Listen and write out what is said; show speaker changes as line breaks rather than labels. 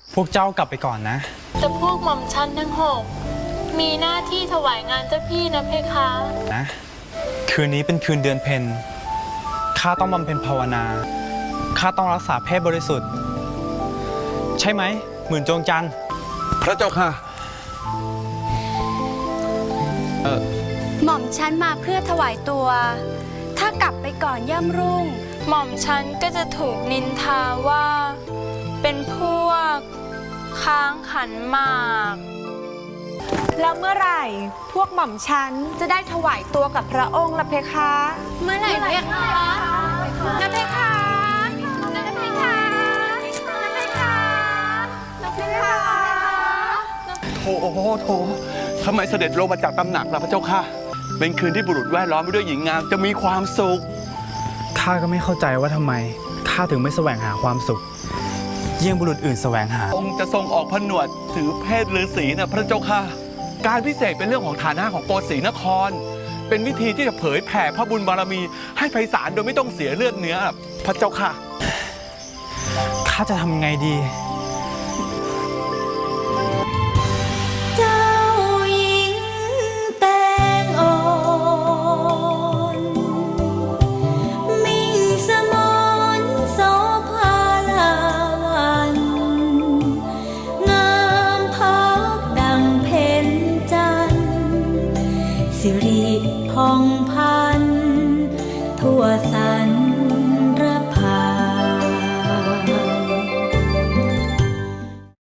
พวกเจ้ากลับไปก่อนนะ
แต่พวกหม่อมชั้นทั้ง6มีหน้าที่ถวายงานเจ้าพี่นะเพคะ
นะคืนนี้เป็นคืนเดือนเพ็ญข้าต้องบำเพ็ญภาวนาข้าต้องรักษาเพศบริสุทธิ์ใช่ไหมหมื่นจงจันทร์
พระเจ้าค่ะ
หม่อมฉันมาเพื่อถวายตัวถ้ากลับไปก่อนย่ำรุ่ง
หม่อมฉันก็จะถูกนินทาว่าเป็นพวกค้างขันหมาก
แล้วเมื่อไหร่พวกหม่อมฉันจะได้ถวายตัวกับพระองค์ละเพคะ
เมื่อไหร่เพคะนะเพคะนะเพคะนะเพคะนะเพคะ
โถทำไมเสด็จลงมาจากตำหนักล่ะพระเจ้าค่ะเป็นคืนที่บุรุษแวดล้อมไปด้วยหญิงงามจะมีความสุข
ข้าก็ไม่เข้าใจว่าทำไมข้าถึงไม่แสวงหาความสุขเยี่ยงบุรุษอื่นแสวงหา
องค์จะทรงออกผนวดถือเพศฤาษีนะพระเจ้าค่ะการพิเศษเป็นเรื่องของฐานะของโกศรีนครเป็นวิธีที่จะเผยแผ่พระบุญบารมีให้ไพศาลโดยไม่ต้องเสียเลือดเนื้อพระเจ้าค่ะ
ข้าจะทำไงดี
เจ้าหญิงแตงอ่อนมิ่งสมนโสภาลาวันงามพักดังเพ็ญจันทร์สิริผ่องพันทั่วสรร